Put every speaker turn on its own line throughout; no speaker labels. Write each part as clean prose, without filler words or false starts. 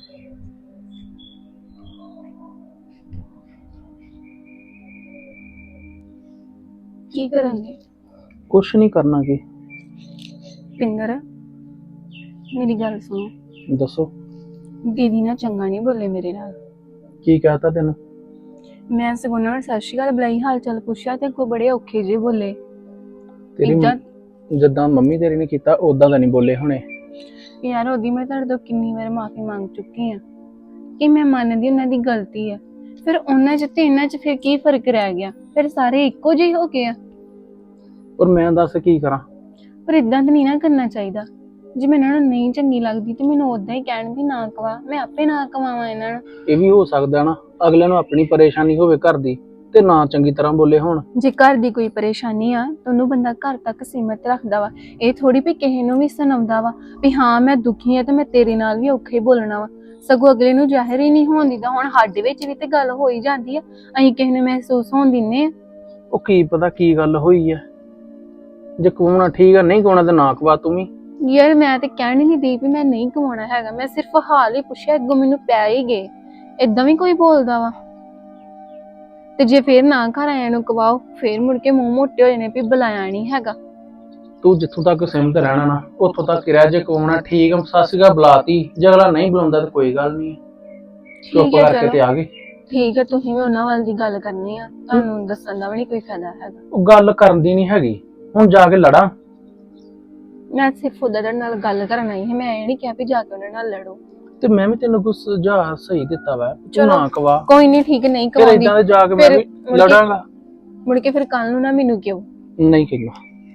ਕੀ ਕਰਾਂਗੇ?
ਕੁਛ ਨਹੀਂ ਕਰਨਾ ਕੀ।
ਪਿੰਦਰ, ਮੇਰੀ ਗੱਲ ਸੁਣੋ।
ਦੱਸੋ
ਦੀਦੀ ਨਾ ਚੰਗਾ ਨਹੀਂ ਬੋਲੇ ਮੇਰੇ ਨਾਲ।
ਕੀ ਕਹਤਾ ਤੈਨੂੰ?
ਮੈਂ ਸਗੋਂ ਉਹਨਾਂ ਨੂੰ ਸਤਿ ਸ਼੍ਰੀ ਅਕਾਲ ਬੁਲਾਈ, ਹਾਲ ਚਾਲ ਪੁੱਛਿਆ ਤੇ ਅੱਗੋਂ ਬੜੇ ਔਖੇ ਜਿਹੇ ਬੋਲੇ।
ਤੇਰੀ ਜਿੱਦਾਂ ਮੰਮੀ ਤੇਰੀ ਨੇ ਕੀਤਾ ਉਦਾਂ ਦਾ ਨਹੀਂ ਬੋਲੇ ਹੁਣੇ।
ਯਾਰ ਉਹਦੀ ਮੈਂ ਤੁਹਾਡੇ ਤੋਂ ਕਿੰਨੀ ਵਾਰ ਮਾਫੀ ਮੰਗ ਚੁੱਕੀ ਆ ਕਿ ਮੈਂ ਮੰਨਦੀ ਉਹਨਾਂ ਦੀ ਗਲਤੀ ਆ, ਫਿਰ ਉਹਨਾਂ ਚ ਤੇ ਇਹਨਾਂ ਚ ਫਿਰ ਕੀ ਫਰਕ ਰਹਿ ਗਿਆ? ਫਿਰ ਸਾਰੇ ਇੱਕੋ ਜਿਹੇ ਹੋ ਗਏ ਆ।
ਔਰ ਮੈਂ ਦੱਸ ਕੀ ਕਰਾਂ?
ਪਰ ਇਦਾਂ ਤਾਂ ਨਹੀਂ ਨਾ ਕਰਨਾ ਚਾਹੀਦਾ। ਜੇ ਮੈਂ ਇਹਨਾਂ ਨੂੰ ਨਹੀਂ ਚੰਗੀ ਲੱਗਦੀ ਤੇ ਮੈਨੂੰ ਉਦਾਂ ਹੀ ਕਹਿਣ ਵੀ ਨਾ ਕਵਾ, ਮੈਂ ਆਪੇ ਨਾ ਕਵਾਵਾਂ ਇਹਨਾਂ ਨੂੰ।
ਇਹ ਵੀ ਹੋ ਸਕਦਾ ਨਾ ਅਗਲੇ ਨੂੰ ਆਪਣੀ ਪਰੇਸ਼ਾਨੀ ਹੋਵੇ ਘਰ ਦੀ ਤੇ ਨਾ ਚੰਗੀ ਤਰ੍ਹਾਂ ਬੋਲੇ ਹੋਣ।
ਜੇ ਘਰ ਦੀ ਕੋਈ ਪਰੇਸ਼ਾਨੀ ਆ ਤਾਂ ਉਹਨੂੰ ਬੰਦਾ ਘਰ ਤੱਕ ਸੀਮਿਤ ਰੱਖਦਾ ਵਾ। ਇਹ ਥੋੜੀ ਵੀ ਕਿਸੇ ਨੂੰ ਵੀ ਸੁਣਾਉਂਦਾ ਵਾ ਵੀ ਹਾਂ ਮੈਂ ਦੁਖੀ ਆ ਤੇ ਮੈਂ ਤੇਰੇ ਨਾਲ ਵੀ ਔਖੇ ਬੋਲਣਾ ਵਾ। ਸਗੋਂ ਅਗਲੇ ਨੂੰ ਜ਼ਾਹਿਰ ਹੀ ਨਹੀਂ ਹੋਣ ਦਿੰਦਾ। ਹੁਣ ਸਾਡੇ ਵਿੱਚ ਵੀ ਤੇ ਗੱਲ ਹੋ ਹੀ ਜਾਂਦੀ ਆ, ਅਸੀਂ ਕਿਸੇ ਨੂੰ ਮਹਿਸੂਸ ਹੋਣ ਦਿੰਨੇ ਆ।
ਉਹ ਕੀ ਪਤਾ ਕੀ ਗੱਲ ਹੋਈ ਹੈ। ਜੇ ਕਵਾਉਣਾ ਠੀਕ ਆ, ਨਹੀਂ ਕਵਾਉਣਾ ਤੇ ਨਾ ਕਵਾ ਤੂੰ ਵੀ।
ਯਾਰ ਮੈਂ ਤੇ ਕਹਿਣ ਹੀ ਨਹੀਂ ਦੀ ਵੀ ਮੈਂ ਨਹੀਂ ਕਮਾਉਣਾ ਹੈਗਾ, ਮੈਂ ਸਿਰਫ ਹਾਲ ਹੀ ਪੁੱਛਿਆ, ਅੱਗੋਂ ਮੈਨੂੰ ਪੈ ਹੀ ਗਏ। ਏਦਾਂ ਵੀ ਕੋਈ ਬੋਲਦਾ ਵਾ? ਤੇ ਜੇ ਫੇਰ ਨਾ ਘਰ ਆਇਆਂ ਨੂੰ ਕਵਾਓ ਫੇਰ ਮੁੜ ਕੇ ਮੂੰਹ ਮੋਟੇ ਹੋ ਜਾਣੇ ਵੀ ਬੁਲਾਇਆ ਨਹੀਂ ਹੈਗਾ।
ਤੂੰ ਜਿੱਥੋਂ ਤੱਕ ਸਿਮਤ ਰਹਿਣਾ ਨਾ ਉੱਥੋਂ ਤੱਕ ਹੀ ਰਹਿ। ਜੇ ਕਵਾਉਣਾ ਠੀਕ ਆ, ਸਤਿ ਸ਼੍ਰੀ ਅਕਾਲ ਬੁਲਾਤੀ, ਜੇ ਅਗਲਾ ਨਹੀਂ ਬੁਲਾਉਂਦਾ ਤਾਂ ਕੋਈ ਗੱਲ ਨਹੀਂ, ਚੁੱਪ ਕਰਕੇ ਤੇ ਆ ਗਏ।
ਠੀਕ ਹੈ, ਤੁਸੀਂ ਵੀ ਉਹਨਾਂ ਵੱਲ ਦੀ ਗੱਲ ਕਰਨੀ ਆ, ਤੁਹਾਨੂੰ ਦੱਸਣ ਦਾ ਵੀ ਨਹੀਂ ਕੋਈ ਫਾਇਦਾ ਹੈਗਾ।
ਉਹ ਗੱਲ ਕਰਨ ਦੀ ਨਹੀਂ ਹੈਗੀ, ਹੁਣ ਜਾ ਕੇ ਲੜਾਂ?
ਮੈਂ ਸਿਰਫ ਉਹਦੇ ਨਾਲ ਗੱਲ ਕਰਨ ਆਈ ਹਾਂ, ਮੈਂ ਇਹ ਨਹੀਂ ਕਿਹਾ ਵੀ ਜਾ ਕੇ ਉਹਨਾਂ ਨਾਲ ਲੜੋ।
ਤੇ ਮੈਂ ਵੀ ਤੈਨੂੰ ਕੁਝ ਸੁਝਾਅ ਸਹੀ ਦਿੱਤਾ ਵਾ, ਤੂੰ ਨਾ ਕਵਾ।
ਕੋਈ ਨਹੀਂ, ਠੀਕ ਨਹੀਂ
ਫਿਰ ਇਦਾਂ ਦੇ ਜਾ ਕੇ ਮੈਂ ਵੀ ਲੜਾਂਗਾ।
ਮੁੜ ਕੇ ਫਿਰ ਕੱਲ ਨੂੰ ਨਾ ਮੈਨੂੰ ਕਿਉਂ
ਨਹੀਂ ਕਹਿੰਦਾ।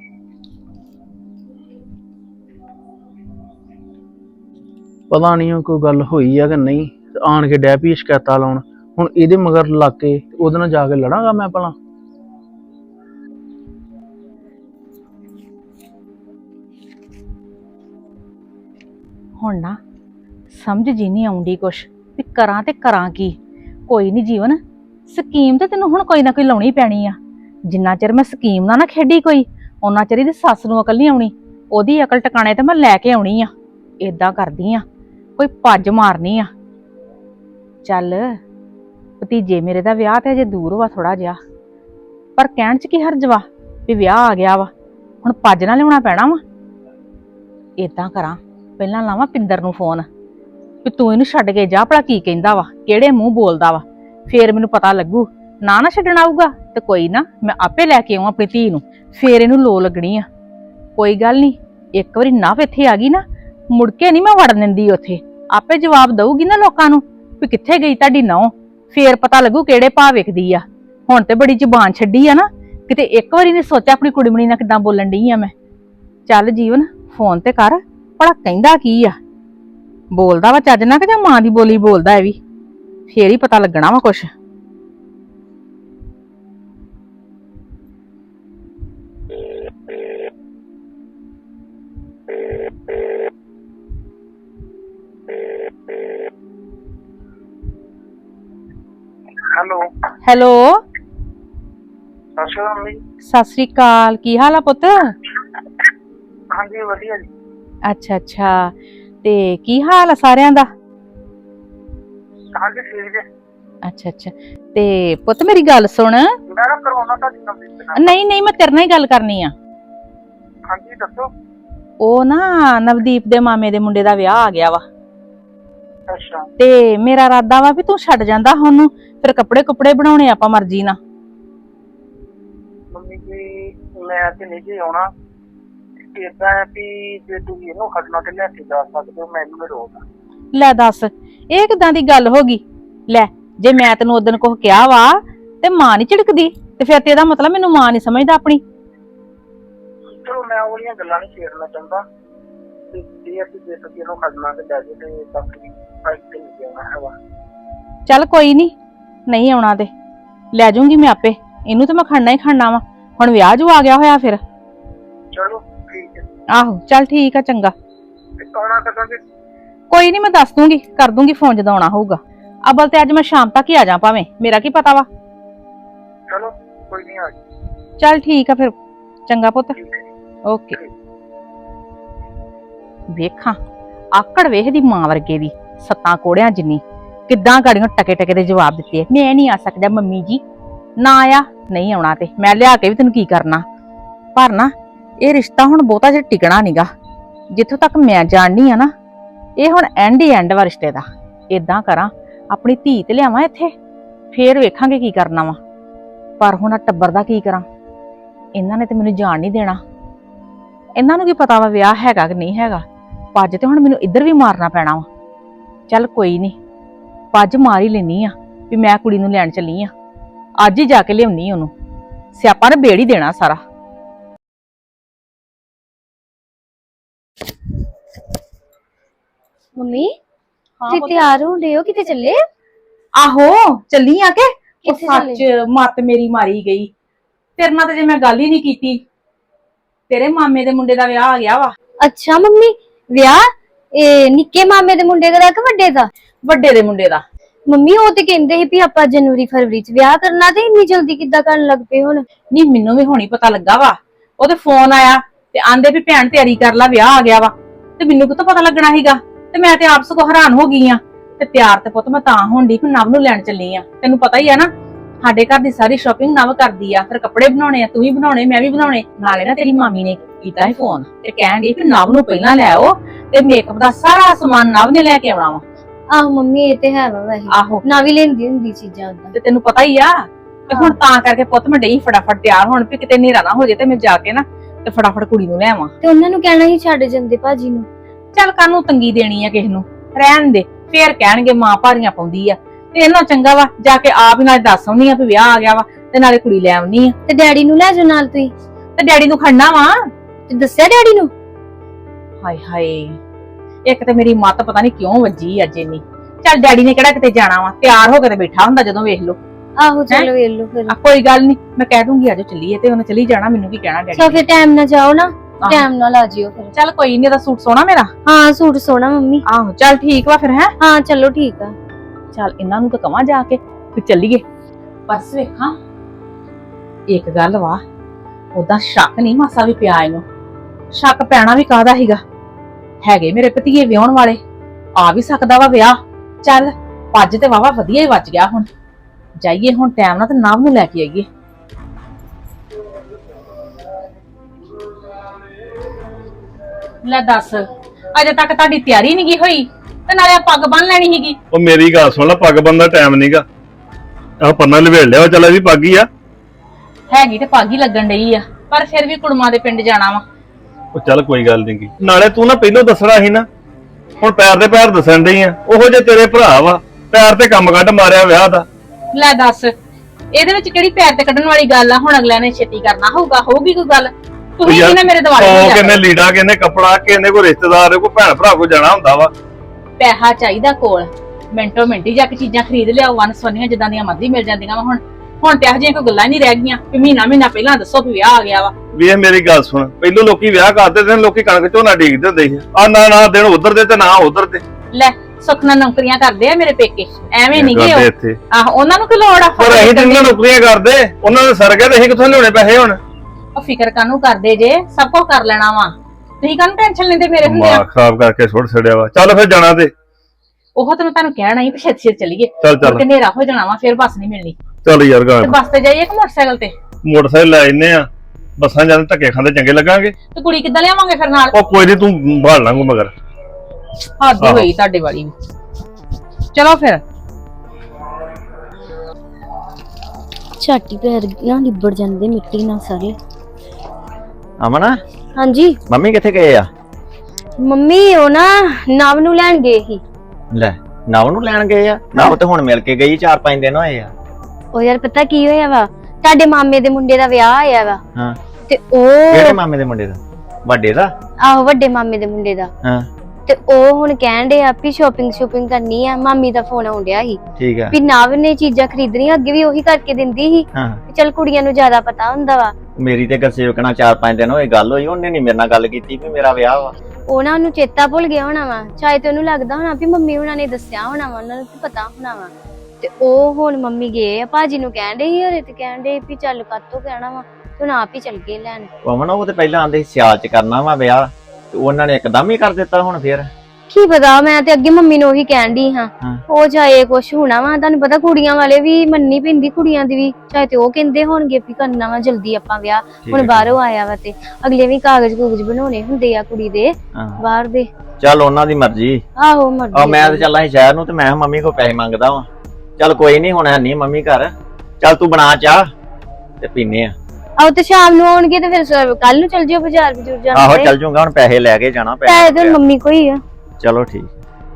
ਪਤਾ ਨਹੀਂ ਕੋਈ ਗੱਲ ਹੋਈ ਆ ਕਿ ਨਹੀਂ, ਆਣ ਕੇ ਡੈ ਪਈ ਸ਼ਿਕਾਇਤਾਂ ਲਾਉਣ। ਹੁਣ ਇਹਦੇ ਮਗਰ ਲੱਗ ਕੇ ਉਹਦੇ ਨਾਲ ਜਾ ਕੇ ਲੜਾਂਗਾ ਮੈਂ ਭਲਾ?
ਹੁਣ ਨਾ ਸਮਝ ਜੀ ਨਹੀਂ ਆਉਂਦੀ ਕੁਛ ਵੀ ਕਰਾਂ ਤੇ ਕਰਾਂ ਕੀ। ਕੋਈ ਨਹੀਂ ਜੀਵਨ, ਸਕੀਮ ਤੇ ਤੈਨੂੰ ਹੁਣ ਕੋਈ ਨਾ ਕੋਈ ਲਾਉਣੀ ਪੈਣੀ ਆ। ਜਿੰਨਾ ਚਿਰ ਮੈਂ ਸਕੀਮ ਨਾ ਖੇਡੀ ਕੋਈ, ਉਹਨਾਂ ਚਿਰ ਇਹਦੀ ਸੱਸ ਨੂੰ ਅਕਲ ਨਹੀਂ ਆਉਣੀ। ਉਹਦੀ ਅਕਲ ਟਿਕਾਣੇ ਤੇ ਮੈਂ ਲੈ ਕੇ ਆਉਣੀ ਆ। ਏਦਾਂ ਕਰਦੀ ਆ, ਕੋਈ ਪੱਜ ਮਾਰਨੀ ਆ। ਚੱਲ ਭਤੀਜੇ ਮੇਰੇ ਦਾ ਵਿਆਹ ਤੇ ਅਜੇ ਦੂਰ ਵਾ ਥੋੜਾ ਜਿਹਾ, ਪਰ ਕਹਿਣ ਚ ਕੀ ਹਰਜ ਵਾ ਵੀ ਵਿਆਹ ਆ ਗਿਆ ਵਾ, ਹੁਣ ਪੱਜ ਨਾ ਲਿਆਉਣਾ ਪੈਣਾ ਵਾ। ਏਦਾਂ ਕਰਾਂ, ਪਹਿਲਾਂ ਲਾਵਾਂ ਪਿੰਦਰ ਨੂੰ ਫੋਨ ਵੀ ਤੂੰ ਇਹਨੂੰ ਛੱਡ ਕੇ ਜਾ, ਭਲਾ ਕੀ ਕਹਿੰਦਾ ਵਾ, ਕਿਹੜੇ ਮੂੰਹ ਬੋਲਦਾ ਵਾ, ਫੇਰ ਮੈਨੂੰ ਪਤਾ ਲੱਗੂ। ਨਾ ਛੱਡਣ ਆਊਗਾ ਤੇ ਕੋਈ ਨਾ, ਮੈਂ ਆਪੇ ਲੈ ਕੇ ਆਉਂ ਆਪਣੀ ਧੀ ਨੂੰ, ਫੇਰ ਇਹਨੂੰ ਲੋ ਲੱਗਣੀ ਆ। ਕੋਈ ਗੱਲ ਨਹੀਂ, ਇੱਕ ਵਾਰੀ ਨਵ ਇੱਥੇ ਆ ਗਈ ਨਾ, ਮੁੜ ਕੇ ਨਹੀਂ ਮੈਂ ਵੜਨ ਦਿੰਦੀ ਉੱਥੇ। ਆਪੇ ਜਵਾਬ ਦਊਗੀ ਨਾ ਲੋਕਾਂ ਨੂੰ ਵੀ ਕਿੱਥੇ ਗਈ ਤੁਹਾਡੀ ਨਹੁੰ, ਫੇਰ ਪਤਾ ਲੱਗੂ ਕਿਹੜੇ ਭਾਅ ਵੇਖਦੀ ਆ। ਹੁਣ ਤੇ ਬੜੀ ਜ਼ੁਬਾਨ ਛੱਡੀ ਆ ਨਾ, ਕਿਤੇ ਇੱਕ ਵਾਰੀ ਨਹੀਂ ਸੋਚਿਆ ਆਪਣੀ ਕੁੜਮਣੀ ਨਾਲ ਕਿੱਦਾਂ ਬੋਲਣ ਡਈ ਆ ਮੈਂ। ਚੱਲ ਜੀਵਨ ਫੋਨ ਤੇ ਕਰ, ਭਲਾ ਕਹਿੰਦਾ ਕੀ ਆ, ਬੋਲਦਾ ਵਾ ਚੱਜ ਨਾਲ ਕਿ ਜਾਂ ਮਾਂ ਦੀ ਬੋਲੀ ਬੋਲਦਾ ਹੈ ਵੀ, ਫੇਰ ਹੀ ਪਤਾ ਲੱਗਣਾ ਵਾ ਕੁਛ।
ਹੈਲੋ
ਹੈਲੋ,
ਸਤਿ ਸ਼੍ਰੀ ਅਕਾਲ ਮੰਮੀ।
ਸਤਿ ਸ੍ਰੀ ਅਕਾਲ, ਕੀ ਹਾਲ ਆ ਪੁੱਤ?
ਹਾਂਜੀ ਵਧੀਆ ਜੀ।
ਅੱਛਾ ਅੱਛਾ, ਤੇ ਕੀ ਹਾਲ ਆ ਸਾਰਿਆਂ ਦਾ?
ਹਾਂਜੀ ਠੀਕ ਜੀ।
ਅੱਛਾ ਅੱਛਾ, ਤੇ ਪੁੱਤ ਮੇਰੀ ਗੱਲ ਸੁਣ।
ਮੈਂ ਨਾ ਕਰਵਾਉਣਾ ਤੁਹਾਡੀ ਨਵਦੀਪ ਨਾਲ।
ਨਹੀਂ ਨਹੀਂ, ਮੈਂ ਤੇਰੇ ਨਾਲ ਹੀ ਗੱਲ ਕਰਨੀ ਆ।
ਹਾਂਜੀ ਦੱਸੋ।
ਉਹ ਨਾ ਨਵਦੀਪ ਦੇ ਮਾਮੇ ਦੇ ਮੁੰਡੇ ਦਾ ਵਿਆਹ ਆ ਗਿਆ ਵਾ,
ਅੱਛਾ।
ਤੇ ਮੇਰਾ ਇਰਾਦਾ ਵਾ ਵੀ ਤੂੰ ਛੱਡ ਜਾਂਦਾ ਉਹਨੂੰ, ਫਿਰ ਕੱਪੜੇ ਕੁਪੜੇ ਬਣਾਉਣੇ ਆਪਾਂ ਮਰਜ਼ੀ ਨਾਲ।
ਮੰਮੀ ਜੀ ਮੈਂ ਤੇ ਨਹੀਂ ਜੀ ਆਉਣਾ, ਏਦਾਂ ਹੈ ਵੀ ਜੇ ਤੁਸੀਂ ਇਹਨੂੰ ਖੜਨਾ ਤੇ ਲੈ ਕੇ ਜਾ ਸਕਦੇ ਹੋ, ਮੈਨੂੰ ਵੀ ਰੋਕ।
ਲੈ ਦੱਸ, ਇਹ ਕਿਦਾਂ ਦੀ ਗੱਲ ਹੋ ਗਈ? ਲੈ ਜੇ ਮੈਂ ਤੈਨੂੰ ਉਦੋਂ ਕੁਝ ਕਿਹਾ ਵਾ ਤੇ ਮਾਂ ਨੀ ਝਿੜਕਦੀ, ਤੇ ਫਿਰ ਤੇ ਇਹਦਾ ਮਤਲਬ ਮੈਨੂੰ ਮਾਂ ਨੀ ਸਮਝਦਾ ਆਪਣੀ।
ਚਲੋ ਮੈਂ ਉਹਦੀਆਂ ਗੱਲਾਂ ਨਹੀਂ ਛੇੜਨਾ ਚਾਹੁੰਦਾ, ਤੇ ਜੇ ਅਸੀਂ ਜੇ ਤੁਸੀਂ ਇਹਨੂੰ ਖੜਨਾ ਤੇ ਲੈ ਜਾਓ, ਤੇ ਬਾਕੀ ਸਾਈਡ ਤੇ ਨਹੀਂ ਆਉਣਾ ਹੈਗਾ।
ਚੱਲ ਕੋਈ ਨੀ, ਨਹੀਂ ਆਉਣਾ ਤੇ ਲੈ ਜਾਊਂਗੀ ਮੈਂ ਆਪੇ, ਇਹਨੂੰ ਤੇ ਮੈਂ ਖੜਨਾ ਹੀ ਖੜਨਾ ਵਾ। ਹੁਣ ਵਿਆਹ ਜੂ ਆ ਗਿਆ ਹੋਇਆ ਫਿਰ।
ਚਲੋ ਠੀਕ ਹੈ।
ਆਹੋ ਚੱਲ ਠੀਕ ਆ, ਚੰਗਾ।
ਤੇ ਆਉਣਾ ਕਦੋਂ ਜੀ?
ਕੋਈ ਨੀ, ਮੈਂ ਦੱਸ ਦੂੰਗੀ, ਕਰ ਦੂੰਗੀ ਫੋਨ ਜਦੋਂ ਆਉਣਾ ਹੋਊਗਾ। ਅਬਲ ਤੇ ਅੱਜ ਮੈਂ ਸ਼ਾਮ ਤੱਕ ਹੀ ਆ ਜਾ, ਭਾਵੇਂ, ਮੇਰਾ ਕੀ ਪਤਾ ਵਾ।
ਚਲੋ ਕੋਈ ਨਹੀਂ, ਆ ਜੀ।
ਚੱਲ ਠੀਕ ਆ ਫਿਰ, ਚੰਗਾ ਪੁੱਤ, ਓਕੇ। ਵੇਖਾਂ ਆਕੜ ਵੇਖਦੀ ਮਾਂ ਵਰਗੇ ਦੀ, ਸੱਤਾਂ ਕੋੜਿਆਂ ਜਿੰਨੀ। ਕਿੱਦਾਂ ਗਾੜੀਆਂ ਟਕੇ ਟਕੇ ਦੇ ਜਵਾਬ ਦਿੱਤੇ ਆ। ਮੈਂ ਨਹੀਂ ਆ ਸਕਦਾ ਮੰਮੀ ਜੀ, ਨਾ ਆਇਆ ਨਹੀਂ ਆਉਣਾ ਤੇ ਮੈਂ ਲਿਆ ਕੇ ਵੀ ਤੈਨੂੰ ਕੀ ਕਰਨਾ। ਪਰ ਨਾ ਇਹ ਰਿਸ਼ਤਾ ਹੁਣ ਬਹੁਤਾ ਜਿਹਾ ਟਿਕਣਾ ਨੀਗਾ। ਜਿੱਥੋਂ ਤੱਕ ਮੈਂ ਜਾਣਨੀ ਆ ਨਾ, ਇਹ ਹੁਣ ਐਂਡ ਹੀ ਐਂਡ ਵਾ ਰਿਸ਼ਤੇ ਦਾ। ਇਦਾਂ ਕਰਾਂ ਆਪਣੀ ਧੀ ਤੇ ਲਿਆਵਾਂ ਇੱਥੇ, ਫੇਰ ਵੇਖਾਂਗੇ ਕੀ ਕਰਨਾ ਵਾ। ਪਰ ਹੁਣ ਆ ਟੱਬਰ ਦਾ ਕੀ ਕਰਾਂ? ਇਹਨਾਂ ਨੇ ਤੇ ਮੈਨੂੰ ਜਾਣ ਨਹੀਂ ਦੇਣਾ। ਇਹਨਾਂ ਨੂੰ ਕੀ ਪਤਾ ਵਾ ਵਿਆਹ ਹੈਗਾ ਕਿ ਨਹੀਂ ਹੈਗਾ। ਪੱਜ ਤੇ ਹੁਣ ਮੈਨੂੰ ਇੱਧਰ ਵੀ ਮਾਰਨਾ ਪੈਣਾ ਵਾ। ਚੱਲ ਕੋਈ ਨਹੀਂ, ਪੱਜ ਮਾਰ ਹੀ ਲੈਣੀ ਆ ਵੀ ਮੈਂ ਕੁੜੀ ਨੂੰ ਲੈਣ ਚੱਲੀ ਆ। ਅੱਜ ਹੀ ਜਾ ਕੇ ਲਿਆਉਣੀ ਉਹਨੂੰ, ਸਿਆਪਾ ਨੇ ਬੇੜ ਹੀ ਦੇਣਾ ਸਾਰਾ।
ਮੰਮੀ ਤੁਸੀਂ ਤਿਆਰ ਹੋ ਰਹੇ ਹੋ, ਕਿਤੇ ਚੱਲੇ?
ਆਹੋ ਚੱਲੀ ਆ ਕੇ। ਉਹ
ਕਿੱਥੇ
ਸੱਚ ਮੱਤ ਮੇਰੀ ਮਾਰੀ ਗਈ। ਤੇਰੇ ਨਾਲ ਤੇ ਜੇ ਮੈਂ ਗੱਲ ਹੀ ਨਹੀਂ ਕੀਤੀ। ਤੇਰੇ ਮਾਮੇ ਦੇ ਮੁੰਡੇ ਦਾ ਵਿਆਹ ਆ ਗਿਆ ਵਾ।
ਅੱਛਾ ਮੰਮੀ, ਵਿਆਹ ਇਹ ਨਿੱਕੇ ਮਾਮੇ ਦੇ ਮੁੰਡੇ ਦਾ ਕਿ ਵੱਡੇ ਦਾ?
ਵੱਡੇ ਦੇ ਮੁੰਡੇ ਦਾ।
ਮੰਮੀ ਉਹ ਤੇ ਕਹਿੰਦੇ ਸੀ ਵੀ ਆਪਾਂ ਜਨਵਰੀ ਫਰਵਰੀ ਚ ਵਿਆਹ ਕਰਨਾ, ਤੇ ਇੰਨੀ ਜਲਦੀ ਕਿੱਦਾਂ ਕਰਨ ਲੱਗ ਪਏ ਹੁਣ?
ਨਹੀਂ ਮੈਨੂੰ ਵੀ ਹੁਣੀ ਪਤਾ ਲੱਗਾ ਵਾ। ਉਹਦੇ ਫੋਨ ਆਇਆ ਤੇ ਆਂਦੇ ਵੀ ਭੈਣ ਤਿਆਰੀ ਕਰ ਲੈ, ਵਿਆਹ ਆ ਗਿਆ ਵਾ। ਤੇ ਮੈਨੂੰ ਕਿਤੋਂ ਪਤਾ ਲੱਗਣਾ ਸੀਗਾ? ਤੇ ਮੈਂ ਤੇ ਆਪ ਸਗੋਂ ਹੈਰਾਨ ਹੋ ਗਈ ਆ। ਤੇ ਤਿਆਰ ਤੇ ਪੁੱਤ ਮੈਂ ਤਾਂ ਹੋਣ ਡਈ ਕਿ ਨਵ ਨੂੰ ਲੈਣ ਚੱਲੀ ਆ। ਤੈਨੂੰ ਪਤਾ ਹੀ ਆ ਨਾ, ਸਾਡੇ ਘਰ ਦੀ ਸਾਰੀ ਸ਼ਾਪਿੰਗ ਨਵ ਕਰਦੀ ਆ। ਫਿਰ ਕੱਪੜੇ ਬਣਾਉਣੇ ਆ, ਤੂੰ ਵੀ ਬਣਾਉਣੇ, ਮੈਂ ਵੀ ਬਣਾਉਣੇ। ਨਾਲੇ ਨਾ ਤੇਰੀ ਮਾਮੀ ਨੇ ਕੀਤਾ ਸੀ ਫੋਨ ਤੇ ਕਹਿਣ ਡਈ ਕਿ ਨਵ ਨੂੰ ਪਹਿਲਾਂ ਲੈ ਆਓ ਤੇ ਮੇਕਅਪ ਦਾ ਸਾਰਾ ਸਮਾਨ ਨਵ ਨੇ ਲੈ ਕੇ ਆਉਣਾ ਵਾ।
ਆਹੋ ਮੰਮੀ ਇਹ ਤੇ ਹੈ ਵਾ ਵੈਸੇ,
ਆਹੋ
ਨਾ ਵੀ ਲੈਂਦੀ ਹੁੰਦੀ ਚੀਜ਼ਾਂ ਉਦਾਂ।
ਤੇ ਤੈਨੂੰ ਪਤਾ ਹੀ ਆ। ਤੇ ਹੁਣ ਤਾਂ ਕਰਕੇ ਪੁੱਤ ਮੈਂ ਡਈ ਫਟਾਫਟ ਤਿਆਰ ਹੋਣ ਵੀ ਕਿਤੇ ਹਨੇਰਾ ਨਾ ਹੋ ਜੇ ਤੇ ਮੈਂ ਜਾ ਕੇ ਨਾ ਤੇ ਫਟਾਫਟ ਕੁੜੀ ਨੂੰ ਲੈ ਆਵਾਂ।
ਤੇ ਉਹਨਾਂ ਨੂੰ ਕਹਿਣਾ ਸੀ ਛੱਡ ਜਾਂਦੇ ਭਾਜੀ ਨੂੰ।
ਚੱਲ ਕਾਹਨੂੰ ਤੰਗੀ ਦੇਣੀ ਆ ਕਿਸੇ ਨੂੰ, ਰਹਿਣ ਦੇ। ਫੇਰ ਕਹਿਣਗੇ ਮਾਂ ਭਾਰੀਆਂ ਪਾਉਂਦੀ ਆ। ਤੇ ਇਹਨਾਂ ਚੰਗਾ ਵਾ ਜਾ ਕੇ ਆਪ ਹੀ ਨਾਲ ਦੱਸ ਆਉਣੀ ਆ ਵੀ ਵਿਆਹ ਆ ਗਿਆ ਵਾ ਤੇ ਨਾਲੇ ਕੁੜੀ ਲੈ ਆਉਣੀ ਆ।
ਤੇ ਡੈਡੀ ਨੂੰ ਲੈ ਜਾਓ ਨਾਲ ਤੁਸੀਂ।
ਤੇ ਡੈਡੀ ਨੂੰ ਖੜਨਾ ਵਾ।
ਤੇ ਦੱਸਿਆ ਡੈਡੀ ਨੂੰ?
ਹਾਏ ਹਾਏ, ਇੱਕ ਤੇ ਮੇਰੀ ਮੱਤ ਪਤਾ ਨਹੀਂ ਕਿਉਂ ਵੱਜੀ ਅੱਜ ਇੰਨੀ। ਚੱਲ ਡੈਡੀ ਨੇ ਕਿਹੜਾ ਕਿਤੇ ਜਾਣਾ ਵਾ, ਤਿਆਰ ਹੋ ਕੇ ਤੇ ਬੈਠਾ ਹੁੰਦਾ ਜਦੋਂ ਵੇਖ ਲੋ।
ਆਹੋ ਚਲੋ ਵੇਖ ਲਓ ਫਿਰ।
ਕੋਈ ਗੱਲ ਨਹੀਂ, ਮੈਂ ਕਹਿ ਦੂੰਗੀ ਆਜੋ ਚੱਲੀਏ। ਤੇ ਉਹਨੇ ਚਲੀ ਜਾਣਾ, ਮੈਨੂੰ ਕੀ ਕਹਿਣਾ ਡੈਡੀ
ਸੋ
ਨੇ।
ਫਿਰ ਟਾਈਮ ਨਾਲ ਜਾਓ ਨਾ, ਟਾਈਮ ਨਾਲ ਆ ਜਿਓ ਫਿਰ।
ਚੱਲ ਕੋਈ ਨਹੀਂ, ਇਹਦਾ ਸੂਟ ਸੋਹਣਾ ਮੇਰਾ।
ਹਾਂ ਸੂਟ ਸੋਹਣਾ ਮੰਮੀ।
ਆਹੋ ਚੱਲ ਠੀਕ ਵਾ ਫਿਰ। ਹੈ
ਹਾਂ ਚਲੋ ਠੀਕ ਆ।
ਚੱਲ ਇਹਨਾਂ ਨੂੰ ਤਾਂ ਕਵਾਂ ਜਾ ਕੇ ਵੀ ਚੱਲੀਏ। ਬਸ ਵੇਖਾਂ ਇੱਕ ਗੱਲ ਵਾ, ਉਹਦਾ ਸ਼ੱਕ ਨਹੀਂ ਮਾਸਾ ਵੀ ਪਿਆ ਇਹਨੂੰ। ਸ਼ੱਕ ਪੈਣਾ ਵੀ ਕਾਹਦਾ ਸੀਗਾ, ਹੈਗੇ ਮੇਰੇ ਭਤੀਏ ਵਿਆਹਣ ਵਾਲੇ, ਆ ਵੀ ਸਕਦਾ ਵਾ ਵਿਆਹ। ਚੱਲ ਪੱਜ ਤੇ ਵਾਵਾ ਵਧੀਆ ਹੀ ਵੱਜ ਗਿਆ। ਹੁਣ ਜਾਈਏ, ਹੁਣ ਟਾਈਮ ਨਾਲ ਤੇ ਨਵ ਨੂੰ ਲੈ ਕੇ ਆਈਏ। ਲੈ ਦੱਸ, ਅਜੇ ਤੱਕ ਤੁਹਾਡੀ ਤਿਆਰੀ ਨਹੀਂ ਗਈ ਹੋਈ ਤੇ ਨਾਲੇ ਪੱਗ ਬੰਨ ਲੈਣੀ ਸੀਗੀ।
ਉਹ ਮੇਰੀ ਗੱਲ ਸੁਣ ਲੈ, ਪੱਗ ਬੰਨ ਦਾ ਟਾਈਮ ਨਹੀਂਗਾ। ਆਹ ਪੰਨਾ ਲਵੇੜ ਲਿਆ, ਚੱਲ ਇਹ ਵੀ ਪੱਗ ਹੀ ਆ।
ਹੈਗੀ ਤੇ ਪੱਗ ਹੀ ਲੱਗਣ ਡਈ ਆ, ਪਰ ਫਿਰ ਵੀ ਕੁੜਮਾਂ ਦੇ ਪਿੰਡ ਜਾਣਾ ਵਾ।
ਉਹ ਚੱਲ ਕੋਈ ਗੱਲ ਨੀ ਗੀ। ਨਾਲੇ ਤੂੰ ਨਾ ਪਹਿਲਾਂ ਦੱਸਣਾ ਸੀ ਨਾ, ਹੁਣ ਪੈਰ ਦੇ ਪੈਰ ਦੱਸਣ ਡਈ ਆ। ਉਹੋ ਜੇ ਤੇਰੇ ਭਰਾ ਵਾ, ਪੈਰ ਤੇ ਕੰਮ ਕੱਢ ਮਾਰਿਆ ਵਿਆਹ ਦਾ।
ਲੈ ਦੱਸ, ਇਹਦੇ ਵਿੱਚ ਕਿਹੜੀ ਪੈਰ ਤੇ ਕੱਢਣ ਵਾਲੀ ਗੱਲ ਆ? ਹੁਣ ਅਗਲਿਆਂ ਨੇ ਛੇਤੀ ਕਰਨਾ ਹੋਊਗਾ, ਹੋਊਗੀ ਕੋਈ ਗੱਲ? ਤੁਸੀਂ ਵੀ ਨਾ ਮੇਰੇ ਦਿਵਾਲੇ ਹੋ
ਕਿੰਨੇ
ਜਾਂਦੇ।
ਲੀੜਾ, ਕਿੰਨੇ ਕੱਪੜਾ, ਕਿੰਨੇ ਕੋਈ ਰਿਸ਼ਤੇਦਾਰ, ਕੋਈ ਭੈਣ ਭਰਾ ਕੋ ਜਾਣਾ ਹੁੰਦਾ ਵਾ।
ਪੈਸਾ ਚਾਹੀਦਾ ਕੋਲ, ਮਿੰਟੋ ਮਿੰਟੀ ਜਾ ਕੇ ਚੀਜ਼ਾਂ ਖਰੀਦ ਲਿਆਓ, ਵਨ ਸਵੰਨੀਆਂ ਜਿੱਦਾਂ ਦੀਆਂ ਮਰਜ਼ੀ ਮਿਲ ਜਾਂਦੀਆਂ ਵਾ। ਹੁਣ ਤੇ ਇਹੋ ਜਿਹੀਆਂ ਕੋਈ ਗੱਲਾਂ ਨਹੀਂ ਰਹਿ ਗਈਆਂ ਕਿ ਮਹੀਨਾ ਪਹਿਲਾਂ ਦੱਸੋ ਵੀ ਵਿਆਹ ਆ ਗਿਆ ਵਾ।
ਵੀ ਇਹ ਮੇਰੀ ਗੱਲ ਸੁਣ, ਪਹਿਲੋਂ ਲੋਕੀ ਵਿਆਹ ਕਰਦੇ ਸੀ, ਲੋਕੀ ਕਣਕ ਝੋਨਾ ਡੀਕਦੇ ਹੁੰਦੇ ਸੀ। ਆ ਨਾ ਦਿਨ ਉਧਰ ਦੇ ਤੇ ਨਾ ਉਧਰ ਦੇ।
ਲੈ ਸੁੱਖ ਨਾਲ ਨੌਕਰੀਆਂ ਕਰਦੇ ਆ ਮੇਰੇ ਪੇਕੇ, ਐਵੇਂ ਨਹੀਂ ਗਏ
ਕਰਦੇ ਇੱਥੇ।
ਆਹ ਉਹਨਾਂ ਨੂੰ ਕੀ ਲੋੜ ਆ?
ਪਰ ਅਸੀਂ ਜਿੰਨਾਂ ਨੌਕਰੀਆਂ ਕਰਦੇ, ਉਹਨਾਂ ਦੇ ਸਰ ਗਏ ਤੇ ਅਸੀਂ ਕਿੱਥੋਂ ਲਿਆਉਣੇ ਪੈਸੇ ਹੁਣ?
ਉਹ ਫਿਕਰ ਕਾਹਨੂੰ ਕਰਦੇ ਜੇ, ਸਭ ਕੁਝ ਕਰ ਲੈਣਾ ਵਾ। ਤੁਸੀਂ ਕਾਹਨੂੰ ਟੈਨਸ਼ਨ ਲੈਂਦੇ ਮੇਰੇ ਹੁੰਦੇ ਆ?
ਦਿਮਾਗ ਖਰਾਬ ਕਰਕੇ ਛੋੜ ਛੜਿਆ ਵਾ। ਚੱਲ ਫਿਰ ਜਾਣਾ ਤੇ
ਉਹ ਤਾਂ ਮੈਂ ਤੁਹਾਨੂੰ ਕਹਿਣਾ ਸੀ ਵੀ ਛੇਤੀ ਚੱਲੀਏ,
ਚੱਲ
ਮੁੜ ਕੇ ਹਨੇਰਾ ਹੋ ਜਾਣਾ ਵਾ, ਫਿਰ ਬੱਸ ਨਹੀਂ ਮਿਲਣੀ।
ਚੱਲ ਯਾਰ ਗਾ
ਤੇ ਬੱਸ ਤੇ ਜਾਈਏ ਕਿ ਮੋਟਰਸਾਈਕਲ ਤੇ?
ਮੋਟਰਸਾਈਕਲ ਲੈ ਆਨੇ ਆ, ਬੱਸਾਂ ਜਾਂਦੇ ਧੱਕੇ ਖਾਂਦੇ ਚੰਗੇ ਲੱਗਾਂਗੇ।
ਤੇ ਕੁੜੀ ਕਿੱਦਾਂ ਲਿਆਵਾਂਗੇ ਫਿਰ ਨਾਲ?
ਉਹ ਕੋਈ ਨਹੀਂ, ਤੂੰ ਭਾਲ ਲਾਂਗੂ ਮਗਰ।
ਹੱਦ ਹੋਈ ਤੁਹਾਡੇ ਵਾਲੀ ਵੀ। ਚਲੋ ਫਿਰ।
ਛਾਤੀ ਪੈਰ ਨਾ ਲਿਬੜ ਜਾਂਦੇ ਮਿੱਟੀ ਨਾਲ ਸਾਰੇ।
ਅਮਨ,
ਹਾਂਜੀ
ਮੰਮੀ ਕਿੱਥੇ ਗਏ ਆ?
ਮੰਮੀ ਉਹ ਨਾ ਨਵ ਨੂੰ ਲੈਣ ਗਏ ਸੀ।
ਲੈ ਨਵ ਨੂੰ ਲੈਣ ਗਏ ਆ? ਨਵ ਤੇ ਹੁਣ ਮਿਲ ਕੇ ਗਈ, 4-5 ਦਿਨ ਹੋਏ ਆ।
ਉਹ ਯਾਰ ਪਤਾ ਕੀ ਹੋਇਆ ਵਾ, ਤੁਹਾਡੇ ਮਾਮੇ ਦੇ ਮੁੰਡੇ ਦਾ ਵਿਆਹ ਆਇਆ ਵਾ।
ਹਾਂ,
ਤੇ ਉਹ
ਕਿਹੜੇ ਮਾਮੇ ਦੇ ਮੁੰਡੇ ਦਾ? ਵੱਡੇ ਦਾ?
ਆਹੋ ਵੱਡੇ ਮਾਮੇ ਦੇ ਮੁੰਡੇ ਦਾ।
ਹਾਂ,
ਤੇ ਉਹ ਹੁਣ ਕਹਿਣ ਦੇ ਆ ਵੀ ਸ਼ਾਪਿੰਗ ਕਰਨੀ ਆ। ਮਾਮੀ ਦਾ ਫੋਨ ਆਉਣ ਡਿਆ ਸੀ
ਠੀਕ ਆ।
ਵੀ ਨਵ ਨੇ ਚੀਜ਼ਾਂ ਖਰੀਦਣੀਆਂ, ਅੱਗੇ ਵੀ ਉਹੀ ਕਰਕੇ ਦਿੰਦੀ ਸੀ।
ਹਾਂ,
ਚਲ ਕੁੜੀਆਂ ਨੂੰ ਜ਼ਿਆਦਾ ਪਤਾ ਹੁੰਦਾ ਵਾ।
ਮੇਰੀ ਤੇ ਗੁਰਸੇਵਕ ਨਾਲ 4-5 ਦਿਨ ਹੋਏ ਗੱਲ ਹੋਈ, ਉਹਨੇ ਨੀ ਮੇਰੇ ਨਾਲ ਗੱਲ ਕੀਤੀ ਵੀ ਮੇਰਾ ਵਿਆਹ ਵਾ।
ਉਹ ਨਾ ਉਹਨੂੰ ਚੇਤਾ ਭੁੱਲ ਗਿਆ ਹੋਣਾ ਵਾ, ਸ਼ਾਇਦ ਉਹਨੂੰ ਲੱਗਦਾ ਹੋਣਾ ਵੀ ਮੰਮੀ ਉਹਨਾਂ ਨੇ ਦੱਸਿਆ ਹੋਣਾ ਵਾ, ਉਹਨਾਂ ਨੂੰ ਵੀ ਪਤਾ ਹੋਣਾ ਵਾ। ਤੇ ਉਹ ਹੁਣ ਮੰਮੀ ਗਏ ਆ, ਭਾਜੀ ਨੂੰ ਕਹਿਣ ਦੇ ਸੀ ਹਰੇ, ਤੇ ਕਹਿਣ ਦੇ ਵੀ ਚੱਲ ਕਾਤੋਂ ਕਹਿਣਾ ਵਾ, ਤੂੰ ਆਪ ਹੀ ਚੱਲ ਗਏ ਲੈਣ।
ਅਮਨ ਉਹ ਤੇ ਪਹਿਲਾਂ ਆਂਦੇ ਸੀ ਸਿਆਲ ਚ ਕਰਨਾ ਵਾ ਵਿਆਹ, ਤੇ ਉਹਨਾਂ ਨੇ ਇੱਕਦਮ ਹੀ ਕਰ ਦਿੱਤਾ ਹੁਣ ਫੇਰ।
ਕੀ ਪਤਾ, ਮੈਂ ਤੇ ਅੱਗੇ ਮੰਮੀ ਨੂੰ ਉਹੀ ਕਹਿਣ ਦੀ ਹਾਂ
ਹਾਂ।
ਹੋ ਜਾਏ ਕੁਛ ਹੋਣਾ ਵਾ। ਤੁਹਾਨੂੰ ਪਤਾ ਕੁੜੀਆਂ ਵਾਲੇ ਵੀ ਮੰਨਣੀ ਪੈਂਦੀ, ਕੁੜੀਆਂ ਦੀ ਵੀ, ਚਾਹੇ ਤੇ ਉਹ ਕਹਿੰਦੇ ਹੋਣਗੇ ਵੀ ਕਰਨਾ ਵਾ ਜਲਦੀ ਆਪਾਂ ਵਿਆਹ।
ਠੀਕ
ਹੁਣ
ਹੈ,
ਬਾਹਰੋਂ ਆਇਆ ਵਾ ਤੇ ਅਗਲੇ ਵੀ ਕਾਗਜ਼ ਕੂਗਜ਼ ਬਣਾਉਣੇ ਹੁੰਦੇ ਆ ਕੁੜੀ ਦੇ
ਹਾਂ।
ਬਾਹਰ ਦੇ।
ਚੱਲ ਉਹਨਾਂ ਦੀ ਮਰਜ਼ੀ।
ਆਹੋ
ਆ
ਮਰਜ਼ੀ
ਮੈਂ
ਆ।
ਤੇ ਚੱਲਾਂ ਸੀ ਸ਼ਹਿਰ ਨੂੰ ਤੇ ਮੈਂ ਕਿਹਾ ਮੰਮੀ ਕੋ ਪੈਸੇ ਮੰਗਦਾ ਵਾਂ। ਚੱਲ ਕੋਈ ਨਹੀਂ, ਹੁਣ ਹੈ ਨਹੀਂ ਮੰਮੀ ਘਰ। ਚੱਲ ਤੂੰ ਬਣਾ ਚਾਹ ਤੇ ਪੀਨੇ ਆ।
ਆਹੋ ਤੇ ਸ਼ਾਮ ਨੂੰ ਆਉਣਗੇ ਤੇ ਫਿਰ ਕੱਲ ਨੂੰ ਚੱਲ ਜਿਓ ਬਾਜ਼ਾਰ ਬਜ਼ੂਰ ਜਾਣਾ।
ਆਹੋ ਚੱਲ ਜੂਗਾ, ਹੁਣ ਪੈਸੇ ਲੈ ਕੇ ਜਾਣਾ
ਪੈਸੇ ਤੇ ਮੰਮੀ ਕੋਈ ਆ।
ਚਲੋ ਠੀਕ।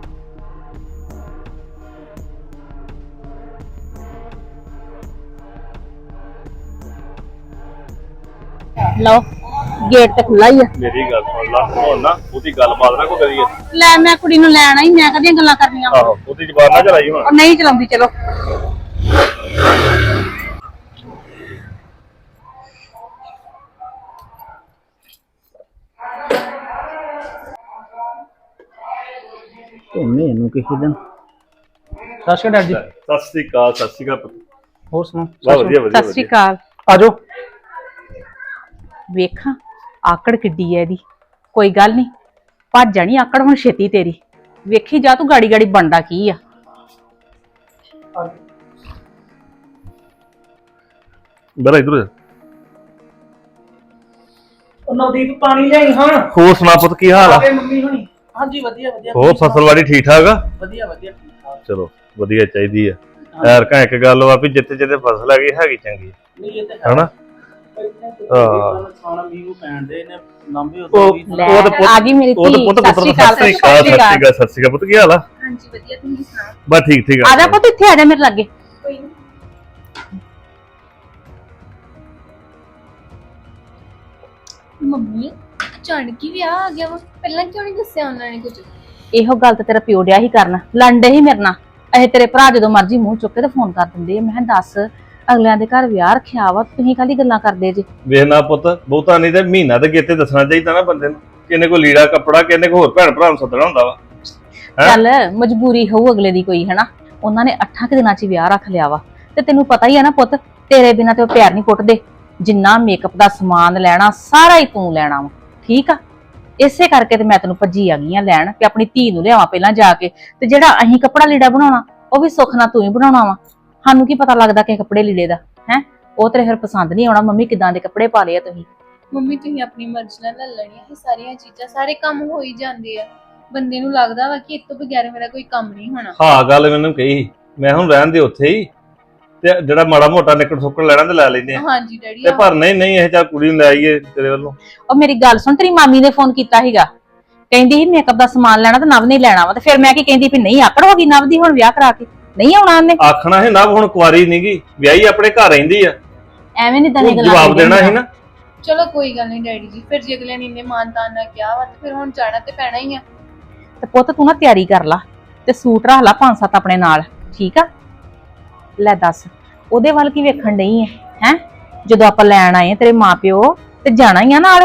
ਲਓ ਗੇਟ ਤੇ ਖੁੱਲਾ ਹੀ ਆ।
ਮੇਰੀ ਗੱਲ ਸੁਣ ਲਾ, ਹੁਣ ਨਾ ਉਹਦੀ ਗੱਲਬਾਤ ਨਾ ਕੋਈ ਕਰੀਏ।
ਲੈ ਮੈਂ ਕੁੜੀ ਨੂੰ ਲੈਣ ਆਈ, ਮੈਂ ਕਦੀਆਂ ਗੱਲਾਂ ਕਰਨੀਆਂ।
ਆਹੋ ਉਹਦੀ ਜ਼ਬਾਨ ਨਾ ਚਲਾਈ ਹੁਣ।
ਉਹ ਨਹੀਂ ਚਲਾਉਂਦੀ, ਚਲੋ।
ਧੋਨੇ ਇਹਨੂੰ ਕਿਸੇ ਦਿਨ। ਸਤਿ ਸ਼੍ਰੀ ਅਕਾਲ ਜੀ।
ਸਤਿ ਸ੍ਰੀ ਅਕਾਲ, ਸਤਿ ਸ੍ਰੀ ਅਕਾਲ।
ਹੋਰ ਸੁਣਾਓ?
ਬਹੁਤ ਵਧੀਆ ਵਧੀਆ
ਸਤਿ ਸ਼੍ਰੀ ਅਕਾਲ।
ਆਜੋ।
ਵੇਖਾਂ ਆਕੜ ਕਿੱਡੀ ਐ ਇਹਦੀ। ਕੋਈ ਗੱਲ ਨਹੀਂ, ਭੱਜ ਜਾਣੀ ਆਕੜ ਹੁਣ ਛੇਤੀ ਤੇਰੀ। ਵੇਖੀ ਜਾ ਤੂੰ ਗਾੜੀ ਗਾੜੀ ਬਣਦਾ ਕੀ ਆ।
ਬੜਾ ਇਧਰ
ਨਵਦੀਪ ਪਾਣੀ ਲਿਆਈ ਹਾਂ।
ਹੋਰ ਸੁਣਾ ਪੁੱਤ, ਕੀ ਹਾਲ ਆ?
ਮੰਮੀ ਹੋਣੀ। ਹਾਂਜੀ ਵਧੀਆ ਵਧੀਆ।
ਹੋਰ ਫਸਲਵਾੜੀ ਠੀਕ ਠਾਕ ਆ?
ਵਧੀਆ ਵਧੀਆ ਠੀਕ ਠਾਕ।
ਚਲੋ ਵਧੀਆ ਚਾਹੀਦੀ ਆ। ਯਾਰ ਕਾ ਇੱਕ ਗੱਲ ਵਾ ਵੀ ਜਿੱਥੇ ਜਿੱਥੇ ਫਸਲ ਹੈਗੀ ਚੰਗੀ
ਨਹੀਂ ਇਹ ਤੇ
ਹਨਾ।
ਖਾਣਾ ਮੀਂਹ ਪੈਣ ਦੇ ਨੇ ਲੰਬੇ
ਲੈ ਆ ਗਈ ਮੇਰੀ
ਉਹ ਤਾਂ
ਧੀ।
ਪੁੱਤ
ਸਤਿ ਸ਼੍ਰੀ ਅਕਾਲ,
ਸਤਿ ਸ਼੍ਰੀ ਅਕਾਲ ਪੁੱਤ, ਕੀ ਹਾਲ ਆ?
ਹਾਂਜੀ ਵਧੀਆ, ਤੁਸੀਂ ਸੁਣਾਓ?
ਬਸ ਠੀਕ ਠੀਕ
ਆ ਜਾ ਪੁੱਤ, ਇੱਥੇ ਆ ਜਾ ਮੇਰੇ ਲਾਗੇ।
ਕੋਈ ਨੀ। ਮੰਮੀ ਅਚਾਨਕ ਹੀ ਵਿਆਹ ਆ ਗਿਆ ਵਾ, ਪਹਿਲਾਂ ਕਿਉਂ ਨਹੀਂ ਦੱਸਿਆ ਉਹਨਾਂ ਨੇ ਕੁਝ?
ਇਹੋ ਗੱਲ ਤੇ ਤੇਰਾ ਪਿਓ ਡਿਆ ਹੀ ਕਰਨ, ਲੰਡੇ ਹੀ ਮੇਰੇ ਨਾਲ। ਇਹ ਤੇਰੇ ਭਰਾ ਜਦੋਂ ਮਰਜ਼ੀ ਮੂੰਹ ਚੁੱਕ ਕੇ ਤੇ ਫੋਨ ਕਰ ਦਿੰਦੇ ਆ। ਮੈਂ ਕਿਹਾ ਦੱਸ, ਅਗਲਿਆਂ ਦੇ ਘਰ ਵਿਆਹ ਰੱਖਿਆ ਵਾ, ਤੁਸੀਂ ਕਾਹਦੀ ਗੱਲਾਂ ਕਰਦੇ ਜੇ?
ਵੇਖਣਾ ਪੁੱਤ, ਬਹੁਤਾ ਨਹੀਂ ਤੇ ਮਹੀਨਾ ਤੇ ਗੇਤੇ ਦੱਸਣਾ ਚਾਹੀਦਾ ਨਾ ਬੰਦੇ ਨੂੰ। ਕਿੰਨੇ ਕੋ ਲੀੜਾ ਕੱਪੜਾ, ਕਿੰਨੇ ਕੋ ਹੋਰ ਭੈਣ ਭਰਾ ਨੂੰ ਸੱਦਣਾ ਹੁੰਦਾ ਵਾ।
ਚੱਲ ਮਜਬੂਰੀ ਹੋਊ ਅਗਲੇ ਦੀ ਕੋਈ, ਹਨਾ। ਉਹਨਾਂ ਨੇ 8 ਦਿਨਾਂ 'ਚ ਵਿਆਹ ਰੱਖ ਲਿਆ ਵਾ, ਤੇ ਤੈਨੂੰ ਪਤਾ ਹੀ ਆ ਨਾ ਪੁੱਤ, ਤੇਰੇ ਬਿਨਾਂ ਤੇ ਉਹ ਪਿਆਰ ਨਹੀਂ ਕੁੱਟਦੇ। ਜਿੰਨਾ ਮੇਕਅਪ ਦਾ ਸਮਾਨ ਲੈਣਾ ਸਾਰਾ ਹੀ ਤੂੰ ਲੈਣਾ ਵਾ, ਠੀਕ ਆ। ਇਸੇ ਕਰਕੇ ਤੇ ਮੈਂ ਤੈਨੂੰ ਭੱਜੀ ਆ ਗਈ ਆ ਲੈਣ ਕਿ ਆਪਣੀ ਧੀ ਨੂੰ ਲਿਆਵਾਂ ਪਹਿਲਾਂ ਜਾ ਕੇ, ਤੇ ਜਿਹੜਾ ਅਸੀਂ ਕੱਪੜਾ ਲੀੜਾ ਬਣਾਉਣਾ ਉਹ ਵੀ ਸੁੱਖ ਨਾਲ ਤੂੰ ਹੀ ਬਣਾਉਣਾ ਵਾ। ਸਾਨੂੰ ਕੀ ਪਤਾ ਲੱਗਦਾ ਕਿ ਕੱਪੜੇ ਲੀੜੇ ਦਾ ਹੈ। ਉਹ ਤੇਰੇ ਫਿਰ ਪਸੰਦ ਨਹੀਂ ਆਉਣਾ। ਮੰਮੀ ਕਿਦਾਂ ਦੇ ਕੱਪੜੇ ਪਾ ਲਏ ਆ ਤੁਸੀਂ?
ਮੰਮੀ ਤੁਸੀਂ ਆਪਣੀ ਮਰਜ਼ੀ ਨਾਲ ਲੈ ਲੈਣੀਆਂ ਇਹ ਸਾਰੀਆਂ ਚੀਜ਼ਾਂ, ਸਾਰੇ ਕੰਮ ਹੋ ਹੀ ਜਾਂਦੇ ਆ। ਬੰਦੇ ਨੂੰ ਲੱਗਦਾ ਵਾ ਕਿ ਇਸ ਤੋਂ ਬਗੈਰ ਮੇਰਾ ਕੋਈ ਕੰਮ ਨਹੀਂ ਹੋਣਾ।
ਹਾਂ ਗੱਲ ਮੈਨੂੰ ਕਹੀ, ਮੈਂ ਹੁਣ ਰਹਿਣ ਦੇ ਉੱਥੇ ਹੀ, ਤੇ ਜਿਹੜਾ ਮਾੜਾ ਮੋਟਾ ਨਿਕਲ ਸੁੱਕਣ ਲੈਣਾ ਤੇ ਲੈ ਲੈਂਦੇ ਆ।
ਹਾਂਜੀ ਡੈਡੀ।
ਤੇ ਪਰ ਨਹੀਂ ਇਹ ਚਾ ਕੁੜੀ ਨੂੰ ਲੈ ਆਈਏ ਤੇਰੇ ਵੱਲੋਂ।
ਉਹ ਮੇਰੀ ਗੱਲ ਸੁਣ, ਤੇਰੀ ਮਾਮੀ ਨੇ ਫੋਨ ਕੀਤਾ ਸੀਗਾ, ਕਹਿੰਦੀ ਸੀ ਮੇਕਅਪ ਦਾ ਸਮਾਨ ਲੈਣਾ ਤੇ ਨਵ ਨੇ ਲੈਣਾ ਵਾ। ਤੇ ਫਿਰ ਮੈਂ ਕੀ ਕਹਿੰਦੀ ਵੀ ਨਹੀਂ ਆਕੜ ਹੋ ਗਈ ਨਵ ਦੀ ਹੁਣ ਵਿਆਹ ਕਰਾ ਕੇ, ਨਹੀਂ ਆਉਣਾ ਉਹਨੇ।
ਆਖਣਾ ਹੈ ਨਾ ਹੁਣ ਕੁਆਰੀ ਨਹੀਂਗੀ, ਵਿਆਹੀ ਆਪਣੇ ਘਰ ਰਹਿੰਦੀ ਆ।
ਐਵੇਂ ਨਹੀਂ ਦਨੇ ਗੱਲਾਂ
ਜਵਾਬ ਦੇਣਾ ਸੀ ਨਾ।
ਚਲੋ ਕੋਈ ਗੱਲ ਨਹੀਂ ਡੈਡੀ ਜੀ, ਫਿਰ ਜੇ ਅਗਲੇ ਨੇ ਇੰਨੇ ਮਾਨਤਾਨ ਨਾਲ ਕਿਹਾ ਵਾ ਤੇ ਫਿਰ ਹੁਣ ਜਾਣਾ ਤੇ ਪੈਣਾ ਹੀ ਆ।
ਤੇ ਪੁੱਤ ਤੂੰ ਨਾ ਤਿਆਰੀ ਕਰ ਲਾ ਤੇ ਸੂਟ ਰੱਖ ਲਾ 5-7 ਆਪਣੇ ਨਾਲ, ਠੀਕ ਆ। ਲੈ ਦੱਸ, ਉਹਦੇ ਵੱਲ ਕੀ ਵੇਖਣ ਡਈ ਹੈ? ਜਦੋਂ ਆਪਾਂ ਲੈਣ ਆਏ ਤੇਰੇ ਮਾਪਿਓ ਤੇ ਜਾਣਾ ਹੀ ਆ ਨਾਲ।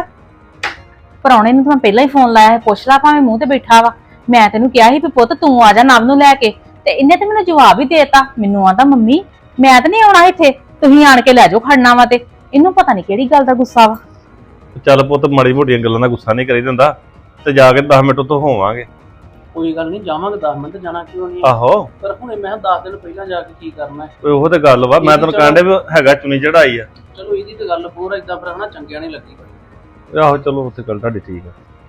ਪਰੌਣੇ ਨੂੰ ਤਾਂ ਪਹਿਲਾਂ ਹੀ ਫੋਨ ਲਾਇਆ, ਪੁੱਛ ਲਾ ਭਾਵੇਂ ਮੂੰਹ ਤੇ ਬੈਠਾ ਵਾ। ਮੈਂ ਤੈਨੂੰ ਕਿਹਾ ਸੀ ਵੀ ਪੁੱਤ ਤੂੰ ਆ ਜਾ ਨਵ ਨੂੰ ਲੈ ਕੇ, ਤੇ ਇਹਨੇ ਤੇ ਮੈਨੂੰ ਜਵਾਬ ਹੀ ਦੇਤਾ। ਮੈਨੂੰ ਆਂਦਾ ਮੰਮੀ ਮੈਂ ਤਾਂ ਨਹੀਂ ਆਉਣਾ ਇੱਥੇ, ਤੁਸੀਂ ਆਣ ਕੇ ਲੈ ਜਾਓ ਖੜਨਾ ਵਾ। ਤੇ ਇਹਨੂੰ ਪਤਾ ਨਹੀਂ ਕਿਹੜੀ ਗੱਲ ਦਾ ਗੁੱਸਾ ਵਾ।
ਚੱਲ ਪੁੱਤ ਮਾੜੀ ਮੋਟੀਆਂ ਗੱਲਾਂ ਦਾ ਗੁੱਸਾ ਨਹੀਂ ਕਰੀਦਾ ਹੁੰਦਾ, ਤੇ ਜਾ ਕੇ 10 ਮਿੰਟ ਉੱਥੋਂ ਹੋਵਾਂਗੇ।
ਕੋਈ ਗੱਲ ਨਹੀਂ, ਜਾਵਾਂਗੇ 10 ਮਿੰਟ, ਜਾਣਾ ਕਿਉਂ ਨਹੀਂ?
ਆਹੋ
ਪਰ ਹੁਣੇ ਮੈਂ 10 ਦਿਨ ਪਹਿਲਾਂ ਜਾ ਕੇ ਕੀ ਕਰਨਾ ਹੈ?
ਉਹ ਤੇ ਗੱਲ ਵਾ, ਮੈਂ ਤੈਨੂੰ ਕਹਿਣ ਡਿਆ ਵੀ ਹੈਗਾ ਚੁਣੀ ਚੜਾਈ ਆ।
ਚਲੋ ਇਹਦੀ ਤੇ ਗੱਲ ਹੋਰ ਏਦਾਂ ਫਿਰ ਹਨਾ ਚੰਗਿਆ ਨਹੀਂ ਲੱਗੀ।
ਆਹੋ ਚਲੋ ਉੱਥੇ ਗੱਲ ਤੁਹਾਡੀ ਠੀਕ ਆ।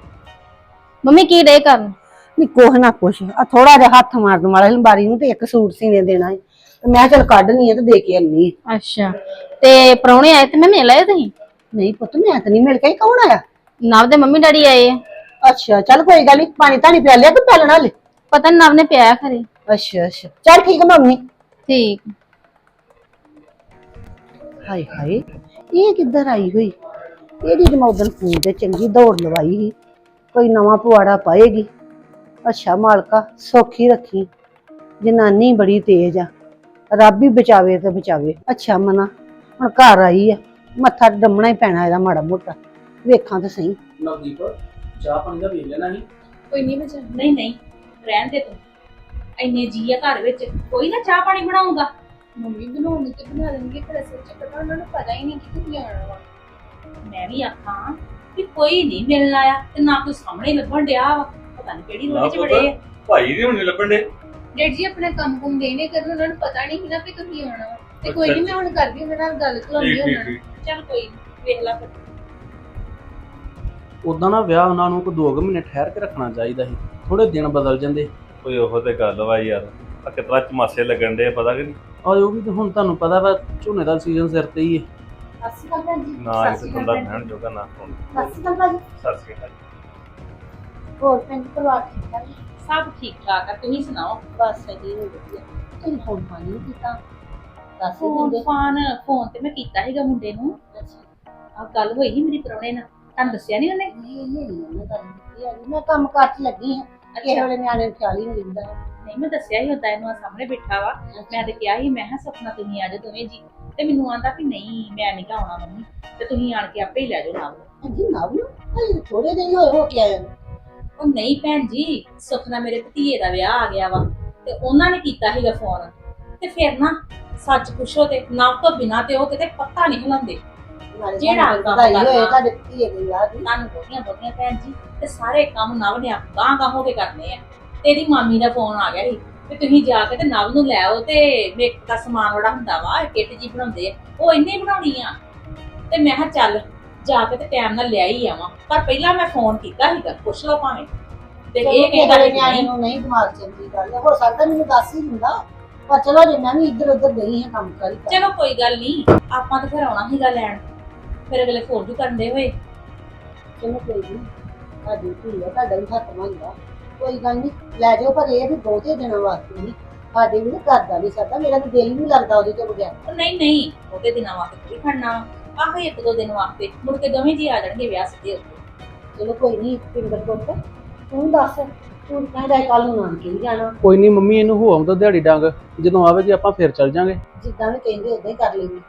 ਮੰਮੀ ਕੀ ਡੇ ਕਰਨ?
ਨਹੀਂ ਕੁਛ ਨਾ ਕੁਛ ਆ ਥੋੜਾ ਜਿਹਾ ਹੱਥ ਮਾਰਨ ਵਾਲਾ ਲੰਬਾਰੀ ਨੂੰ ਤੇ ਇੱਕ ਸੂਟ ਸੀਨੇ ਦੇਣਾ ਹੈ ਤੇ ਮੈਂ ਚਲ ਕੱਢਣੀ ਹੈ ਤੇ ਦੇ ਕੇ ਆਨੀ ਹੈ।
ਅੱਛਾ, ਤੇ ਪ੍ਰਾਹੁਣੇ ਆਏ ਤੇ ਮੈਂ ਮਿਲ ਆਏ ਤੁਸੀਂ?
ਨਹੀਂ ਪੁੱਤ ਮੈਂ ਤਾਂ ਨਹੀਂ ਮਿਲ ਕੇ, ਕੌਣ ਆਇਆ?
ਨਵ ਦੇ ਮੰਮੀ ਡੈਡੀ ਆਏ ਆ।
ਅੱਛਾ ਚੱਲ ਕੋਈ ਗੱਲ ਨਹੀਂ, ਪਾਣੀ ਧਾਣੀ ਪਿਆ ਲਿਆ ਕਿ ਪਿਆਲਣਾ ਹਲੇ?
ਪਤਾ ਨੀ ਨਵ ਨੇ ਪਿਆ ਖਰੇ।
ਅੱਛਾ ਅੱਛਾ ਚੱਲ ਠੀਕ ਹੈ ਮੰਮੀ।
ਠੀਕ।
ਹਾਏ ਹਾਏ ਇਹ ਕਿੱਧਰ ਆਈ ਹੋਈ? ਇਹਦੀ ਤੇ ਮੈਂ ਉਦੋਂ ਫੋਨ ਤੇ ਚੰਗੀ ਦੌੜ ਲਵਾਈ ਸੀ, ਕੋਈ ਨਵਾਂ ਪੁਆੜਾ ਪਾਏਗੀ। ਅੱਛਾ ਮਾਲਕਾ ਸੌਖੀ ਰੱਖੀ, ਜਨਾਨੀ ਬੜੀ ਤੇਜ਼ ਆ, ਰੱਬ ਹੀ ਬਚਾਵੇ ਤੇ ਬਚਾਵੇ। ਅੱਛਾ ਮਨਾ ਹੁਣ ਘਰ ਆਈ ਆ, ਮੱਥਾ ਡੰਮਣਾ ਹੀ ਪੈਣਾ ਇਹਦਾ ਮਾੜਾ ਮੋਟਾ, ਵੇਖਾਂ ਤਾਂ ਸਹੀ।
ਨਵਦੀਪ ਚਾਹ ਪਾਣੀ ਦਾ ਵੇਖ ਲੈਣਾ ਸੀ।
ਕੋਈ ਨਹੀਂ ਮੈਂ ਜਾਣਾ।
ਨਹੀਂ ਰਹਿਣ ਦੇ ਤੂੰ, ਇੰਨੇ ਜੀ ਆ ਘਰ ਵਿੱਚ, ਕੋਈ ਨਾ ਚਾਹ ਪਾਣੀ ਬਣਾਉਂਗਾ।
ਮੰਮੀ ਬਣਾਉਣੀ ਤੇ ਬਣਾ ਦੇਣਗੇ, ਪਰ ਅਸਲ ਚ ਪਤਾ ਉਹਨਾਂ ਨੂੰ ਪਤਾ ਹੀ ਨਹੀਂ ਕਿ ਤੁਸੀਂ ਆਉਣਾ ਵਾ।
ਮੈਂ ਵੀ ਆਖਾਂ ਕਿ ਕੋਈ ਨਹੀਂ ਮਿਲਣ ਆਇਆ ਤੇ ਨਾ ਕੋਈ ਸਾਹਮਣੇ ਲੱਭਣ ਡਿਆ ਵਾ, ਪਤਾ ਨਹੀਂ ਕਿਹੜੀ ਰੋਟੀ ਚ ਬੜੇ ਆ।
ਭਾਈ ਵੀ ਹੁਣ ਨੀ ਲੱਭਣ ਦੇ।
ਡੈਡ ਜੀ ਆਪਣਾ ਕੰਮ ਕੁੰਮ ਦੇ ਨੇ ਕਰਨ, ਉਹਨਾਂ ਨੂੰ ਪਤਾ ਨਹੀਂ ਸੀ ਨਾ ਵੀ ਤੁਸੀਂ ਆਉਣਾ ਵਾ। ਤੇ ਕੋਈ ਨਹੀਂ, ਮੈਂ ਹੁਣ ਕਰਦੀ ਉਹਨਾਂ ਨਾਲ ਗੱਲ ਕਰਾਉਂਦੀ ਉਹਨਾਂ ਨੂੰ।
ਚੱਲ ਕੋਈ ਨੀ, ਵੇਖ ਲੈ ਫਿਰ।
ਉਦਾਂ ਨਾ ਵਿਆਹ ਉਹਨਾਂ ਨੂੰ ਕੋਈ 2 ਮਹੀਨੇ ਠਹਿਰ ਕੇ ਰੱਖਣਾ ਚਾਹੀਦਾ ਸੀ, ਥੋੜੇ ਦਿਨ ਬਦਲ ਜਾਂਦੇ।
ਕੋਈ ਉਹੋ ਤੇ ਗੱਲ ਵਾ ਯਾਰ, ਆ ਕਿਤਨਾ ਚਮਾਸੇ ਲੱਗਣ ਦੇ ਪਤਾ ਕਿ ਨਹੀਂ।
ਔਰ ਉਹ ਵੀ ਤਾਂ ਹੁਣ ਤੁਹਾਨੂੰ ਪਤਾ ਵਾ ਝੋਨੇ ਦਾ ਸੀਜ਼ਨ ਸਿਰ ਤੇ ਹੀ ਹੈ।
ਸਤਿ ਸ਼੍ਰੀ ਅਕਾਲ ਭੈਣ ਜੀ।
ਨਾ ਇਹ ਬੰਦਾ ਬਹਿਣ ਜੋਗਾ ਨਾ ਹੁਣ।
ਸਤਿ ਸ਼੍ਰੀ ਅਕਾਲ ਭਾਜੀ।
ਸਤਿ ਸ਼੍ਰੀ ਅਕਾਲ।
ਹੋਰ ਭੈਣ ਜੀ ਪਰਿਵਾਰ ਠੀਕ ਠਾਕ?
ਸਭ ਠੀਕ ਠਾਕ ਆ, ਤੁਸੀਂ ਸੁਣਾਓ?
ਬਸ ਜੀ ਵਧੀਆ। ਤੁਸੀਂ ਫੋਨ ਫਾਨ ਨਹੀਂ ਕੀਤਾ? ਦੱਸ ਹੀ
ਫੋਨ
ਦਿੰਦੇ।
ਫੋਨ ਤੇ ਮੈਂ ਕੀਤਾ ਸੀਗਾ ਮੁੰਡੇ ਨੂੰ। ਆ ਗੱਲ ਹੋਈ ਸੀ ਮੇਰੀ ਪ੍ਰਾਹੁਣੇ ਨਾਲ, ਤੁਹਾਨੂੰ ਦੱਸਿਆ ਨਹੀਂ ਉਹਨੇ?
ਨਹੀਂ ਮੈਂ ਗੱਲ ਕੀਤੀ ਹੈਗੀ। ਮੈਂ ਕੰਮ ਕਾਰ ਚ ਲੱਗੀ ਹਾਂ। ਕਿਸੇ ਵੇਲੇ ਨਿਆਣੇ ਨੂੰ ਖਿਆਲ ਹੀ ਨਹੀਂ ਰਹਿੰਦਾ।
ਨਹੀਂ ਮੈਂ ਦੱਸਿਆ ਹੀ ਹੁੰਦਾ ਇਹਨੂੰ, ਆ ਸਾਹਮਣੇ ਬੈਠਾ ਵਾ। ਮੈਂ ਤੇ ਕਿਹਾ ਸੀ, ਮੈਂ ਕਿਹਾ ਸੁਪਨਾ ਤੁਸੀਂ ਆ ਜਾਓ ਦੋਵੇਂ ਜੀ, ਤੇ ਮੈਨੂੰ ਆਂਦਾ ਵੀ ਨਹੀਂ ਮੈਂ ਨਹੀਂ ਆਉਣਾ ਮੰਮੀ, ਤੇ ਤੁਸੀਂ ਆਣ ਕੇ ਆਪੇ ਹੀ ਲੈ ਜਾਓ ਨਾਲ।
ਹਾਂਜੀ ਨਾ ਬਲੋ ਭਾਈ ਥੋੜੇ ਦਿਨ ਹੀ ਹੋਏ ਹੋ ਕੇ ਆਏ ਨੂੰ।
ਉਹ ਨਹੀਂ ਭੈਣ ਜੀ, ਸੁਪਨਾ ਮੇਰੇ ਭਤੀਏ ਦਾ ਵਿਆਹ ਆ ਗਿਆ ਵਾ, ਤੇ ਉਹਨਾਂ ਨੇ ਕੀਤਾ ਸੀਗਾ ਫੋਨ। ਤੇ ਫਿਰ ਨਾ ਸੱਚ ਪੁੱਛੋ ਤੇ ਨਵ ਤੋਂ ਬਿਨਾਂ ਤੇ ਉਹ ਕਿਤੇ ਪੱਤਾ ਨਹੀਂ ਹਿਲਾਉਂਦੇ। ਜਿਹੜਾ ਕੰਮ
ਵਧਾਈ ਹੋਏ
ਕਰਨਾ।
ਤੁਹਾਡੇ ਧੀਏ ਦੇ ਵਿਆਹ ਦੀ।
ਤੁਹਾਨੂੰ ਬਹੁਤੀਆਂ ਭੈਣ ਜੀ, ਤੇ ਸਾਰੇ ਕੰਮ ਨਵ ਨੇ ਗਾਂ ਹੋ ਕੇ ਕਰਨੇ ਆ। ਤੇਰੀ ਮਾਮੀ ਦਾ ਫੋਨ ਆ ਗਿਆ ਸੀ ਤੇ ਤੁਸੀਂ ਜਾ ਕੇ ਤੇ ਨਵ ਨੂੰ ਲੈ ਆਓ, ਤੇ ਮੇਕਅਪ ਦਾ ਸਮਾਨ ਬੜਾ ਹੁੰਦਾ ਵਾ, ਕਿੱਟ ਜੀ ਬਣਾਉਂਦੇ ਆ, ਉਹ ਇੰਨੇ ਬਣਾਉਣੀ ਆ। ਤੇ ਮੈਂ ਕਿਹਾ ਚੱਲ ਜਾ ਕੇ ਤੇ ਟਾਈਮ ਨਾਲ ਲਿਆ ਹੀ ਆਵਾਂ, ਪਰ ਪਹਿਲਾਂ ਮੈਂ ਫੋਨ ਕੀਤਾ ਸੀਗਾ, ਪੁੱਛ ਲਓ ਭਾਵੇਂ। ਤੇ ਇਹ ਕਹਿੰਦਾ
ਨਿਆਣੇ ਨੂੰ ਨਹੀਂ ਦਿਮਾਗ ਚੰਗੀ ਗੱਲ ਹੈ, ਹੋ ਸਕਦਾ ਮੈਨੂੰ ਦੱਸ ਹੀ ਦਿੰਦਾ, ਪਰ ਚਲੋ ਜੇ ਮੈਂ ਵੀ ਇੱਧਰ ਉੱਧਰ ਗਈ ਹਾਂ ਕੰਮ ਕਰੀ।
ਚਲੋ ਕੋਈ ਗੱਲ ਨਹੀਂ, ਆਪਾਂ ਤਾਂ ਫਿਰ ਆਉਣਾ ਸੀਗਾ ਲੈਣ, ਫਿਰ ਅਗਲੇ ਫੋਨ ਵੀ ਕਰਦੇ ਹੋਏ।
ਚਲੋ ਕੋਈ ਨਹੀਂ, ਤੁਹਾਡੀ ਧੀ ਹੈ, ਤੁਹਾਡਾ ਵੀ ਹੱਥ ਮੰਗਦਾ, ਕੋਈ ਗੱਲ ਨਹੀਂ ਲੈ ਜਾਓ, ਪਰ ਇਹ ਵੀ ਬਹੁਤੇ ਦਿਨਾਂ ਵਾਸਤੇ ਨਹੀਂ। ਸਾਡੇ ਵੀ ਘਰ ਦਾ ਨਹੀਂ ਸਰਦਾ, ਮੇਰਾ ਤਾਂ ਦਿਲ ਨਹੀਂ ਲੱਗਦਾ ਉਹਦੇ ਤੋਂ ਬਗੈਰ।
ਨਹੀਂ ਉਹਦੇ ਦਿਨਾਂ ਵਾਸਤੇ ਕੋਈ ਖੜਨਾ ਆਹੋ 1-2 ਦਿਨ ਵਾਸਤੇ, ਮੁੜ ਕੇ ਦੋਵੇਂ ਜੀ ਆ ਜਾਣਗੇ ਵਿਆਹ ਸਿੱਧੇ ਉੱਤੇ।
ਚਲੋ ਕੋਈ ਨਹੀਂ ਪਿੰਦਰ ਪੁੱਤ, ਤੂੰ ਦੱਸ ਤੂੰ ਕਹਿੰਦਾ ਕੱਲ ਨੂੰ ਨਾਨਕੇ ਵੀ ਜਾਣਾ।
ਕੋਈ ਨਹੀਂ ਮੰਮੀ, ਇਹਨੂੰ ਹੋ ਆਉਂਦਾ ਦਿਹਾੜੀ ਡੰਗ, ਜਦੋਂ ਆਵੇਗੀ ਆਪਾਂ ਫਿਰ ਚੱਲ ਜਾਾਂਗੇ।
ਜਿੱਦਾਂ ਵੀ ਕਹਿੰਦੇ ਉਦਾਂ ਹੀ ਕਰ ਲੈਂਦੇ।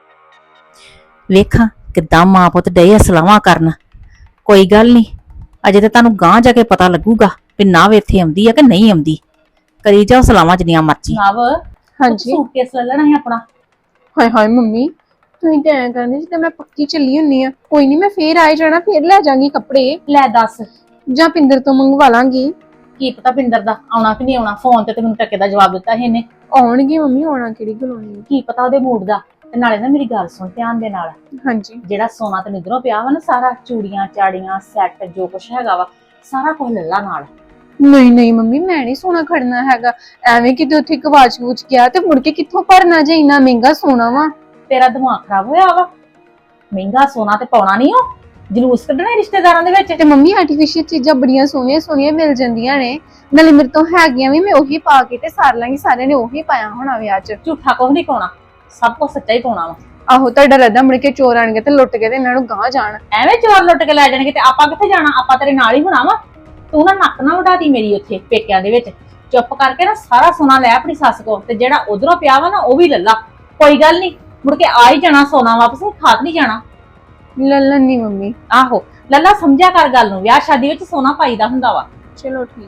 ਵੇਖਾਂ ਕਿੱਦਾਂ ਮਾਂ ਪੁੱਤ ਡੇ ਸਲਾਹਾਂ ਕਰਨ। ਕੋਈ ਗੱਲ ਨਹੀਂ, ਅਜੇ ਤਾਂ ਤੁਹਾਨੂੰ ਗਾਂਹ ਜਾ ਕੇ ਪਤਾ ਲੱਗੂਗਾ ਵੀ ਨਵ ਇੱਥੇ ਆਉਂਦੀ ਆ ਕਿ ਨਹੀਂ ਆਉਂਦੀ। ਕਰੀ ਜਾਓ ਸਲਾਹਾਂ ਜਿੰਨੀਆਂ ਮਰਜ਼ੀ। ਨਵ
ਹਾਂਜੀ।
ਸੂਟਕੇਸ ਲੈ ਲੈਣਾ ਸੀ ਆਪਣਾ।
ਹਾਏ ਹਾਏ ਮੰਮੀ, ਤੁਸੀਂ ਤਾਂ ਐਂ ਕਹਿੰਦੇ ਸੀ ਤੇ ਮੈਂ ਪੱਕੀ ਚੱਲੀ ਹੁੰਨੀ ਆ। ਕੋਈ ਨਹੀਂ, ਮੈਂ ਫੇਰ ਆਏ ਜਾਣਾ, ਫੇਰ ਲੈ ਜਾਾਂਗੀ ਕੱਪੜੇ।
ਲੈ ਦੱਸ,
ਜਾਂ ਪਿੰਦਰ ਤੋਂ ਮੰਗਵਾ ਲਾਂਗੀ।
ਕੀ ਪਤਾ ਪਿੰਦਰ ਦਾ ਆਉਣਾ ਕਿ ਨਹੀਂ ਆਉਣਾ, ਫੋਨ ਤੇ ਮੈਨੂੰ ਟੱਕੇ ਦਾ ਜਵਾਬ ਦਿੱਤਾ ਸੀ ਇਹਨੇ।
ਆਉਣਗੇ ਮੰਮੀ, ਆਉਣਾ ਕਿਹੜੀ ਗੱਲ ਹੋਣੀ।
ਕੀ ਪਤਾ ਉਹਦੇ ਮੂਡ ਦਾ। ਤੇ ਨਾਲੇ ਨਾ ਮੇਰੀ ਗੱਲ ਸੁਣ ਧਿਆਨ ਦੇ ਨਾਲ,
ਹਾਂਜੀ।
ਜਿਹੜਾ ਸੋਨਾ ਤੇ ਨਿੱਧਰੋਂ ਪਿਆ ਵਾ ਨਾ, ਸਾਰਾ ਚੂੜੀਆਂ ਚਾੜੀਆਂ ਸੈੱਟ ਜੋ ਕੁਛ ਹੈਗਾ ਵਾ, ਸਾਰਾ ਕੁਝ ਲੈ ਲਾ ਨਾਲ।
ਨਹੀਂ ਮੰਮੀ, ਮੈਂ ਨਹੀਂ ਸੋਨਾ ਖੜਨਾ ਹੈਗਾ। ਐਵੇਂ ਕਿਤੇ ਉੱਥੇ ਗਵਾਚ ਗੂਚ ਗਿਆ ਤੇ ਮੁੜ ਕੇ ਕਿੱਥੋਂ ਭਰਨਾ ਜੇ, ਇੰਨਾ ਮਹਿੰਗਾ ਸੋਨਾ ਵਾ।
ਤੇਰਾ ਦਿਮਾਗ ਖਰਾਬ ਹੋਇਆ ਵਾ? ਮਹਿੰਗਾ ਸੋਨਾ ਤੇ ਪਾਉਣਾ ਨਹੀਂ, ਉਹ ਜਲੂਸ ਕੱਢਣਾ ਰਿਸ਼ਤੇਦਾਰਾਂ ਦੇ ਵਿੱਚ।
ਤੇ ਮੰਮੀ ਆਰਟੀਫੀਸ਼ੀਅਲ ਚੀਜ਼ਾਂ ਬੜੀਆਂ ਸੋਹਣੀਆਂ ਸੋਹਣੀਆਂ ਮਿਲ ਜਾਂਦੀਆਂ ਨੇ, ਨਾਲੇ ਮੇਰੇ ਤੋਂ ਹੈਗੀਆਂ ਵੀ, ਮੈਂ ਉਹੀ ਪਾ ਕੇ ਤੇ ਸਾਰ ਲਾਂਗੀ। ਸਾਰਿਆਂ ਨੇ ਉਹੀ ਪਾਇਆ ਹੋਣਾ ਵਿਆਹ 'ਚ।
ਝੂਠਾ ਕੁਝ ਨਹੀਂ ਪਾਉਣਾ, ਸਭ ਕੁਝ ਸੱਚਾ ਹੀ ਪਾਉਣਾ ਵਾ।
ਆਹੋ, ਤੁਹਾਡਾ ਰੱਦਾ ਮੁੜ ਕੇ ਚੋਰ ਆਣਗੇ ਤੇ ਲੁੱਟ ਕੇ ਤੇ ਇਹਨਾਂ ਨੂੰ ਗਾਂਹ ਜਾਣ।
ਐਵੇਂ ਚੋਰ ਲੁੱਟ ਕੇ ਲੈ ਜਾਣਗੇ ਤੇ ਆਪਾਂ ਕਿੱਥੇ ਜਾਣਾ? ਆਪਾਂ ਤੇਰੇ ਨਾਲ ਹੀ ਹੋਣਾ ਵਾ। ਤੂੰ ਨਾ ਨੱਕ ਨਾ ਵਢਾਦੀ ਮੇਰੀ ਉੱਥੇ ਪੇਕਿਆਂ ਦੇ ਵਿੱਚ। ਚੁੱਪ ਕਰਕੇ ਨਾ ਸਾਰਾ ਸੋਨਾ ਲੈ ਆਪਣੀ ਸੱਸ ਕੋਲ, ਤੇ ਜਿਹੜਾ ਉਧਰੋਂ ਪਿਆ ਵਾ ਨਾ ਉਹ ਵੀ ਲੱਲਾ। ਕੋਈ ਗੱਲ ਨਹੀਂ, ਮੁੜ ਕੇ ਆ ਹੀ ਜਾਣਾ ਸੋਨਾ ਵਾਪਸ, ਖਾਤ ਨਹੀਂ ਜਾਣਾ।
ਲੱਲਣ ਨਹੀਂ ਮੰਮੀ।
ਆਹੋ ਲੱਲਾ, ਸਮਝਿਆ ਕਰ ਗੱਲ ਨੂੰ, ਵਿਆਹ ਸ਼ਾਦੀ ਵਿੱਚ ਸੋਨਾ ਪਾਈਦਾ ਹੁੰਦਾ ਵਾ।
ਚਲੋ ਠੀਕ।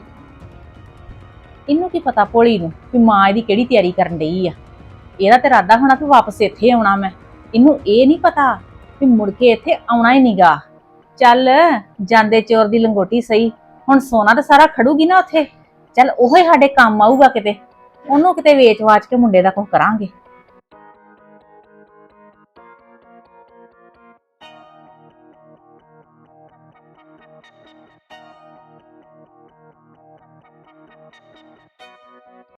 ਇਹਨੂੰ ਕੀ ਪਤਾ ਭੋਲੀ ਨੂੰ ਵੀ ਮਾਂ ਇਹਦੀ ਕਿਹੜੀ ਤਿਆਰੀ ਕਰਨ ਡਈ ਆ। ਇਹਦਾ ਤੇ ਇਰਾਦਾ ਹੋਣਾ ਵੀ ਵਾਪਸ ਇੱਥੇ ਆਉਣਾ ਮੈਂ। ਇਹਨੂੰ ਇਹ ਨਹੀਂ ਪਤਾ ਵੀ ਮੁੜ ਕੇ ਇੱਥੇ ਆਉਣਾ ਹੀ ਨਹੀਂਗਾ। ਚੱਲ ਜਾਂਦੇ ਚੋਰ ਦੀ ਲੰਗੋਟੀ ਸਹੀ, ਹੁਣ ਸੋਨਾ ਤਾਂ ਸਾਰਾ ਖੜੂਗੀ ਨਾ ਉੱਥੇ। ਚੱਲ ਉਹ ਹੀ ਸਾਡੇ ਕੰਮ ਆਊਗਾ, ਕਿਤੇ ਉਹਨੂੰ ਕਿਤੇ ਵੇਚ ਵਾਚ ਕੇ ਮੁੰਡੇ ਦਾ ਕੁਝ ਕਰਾਂਗੇ।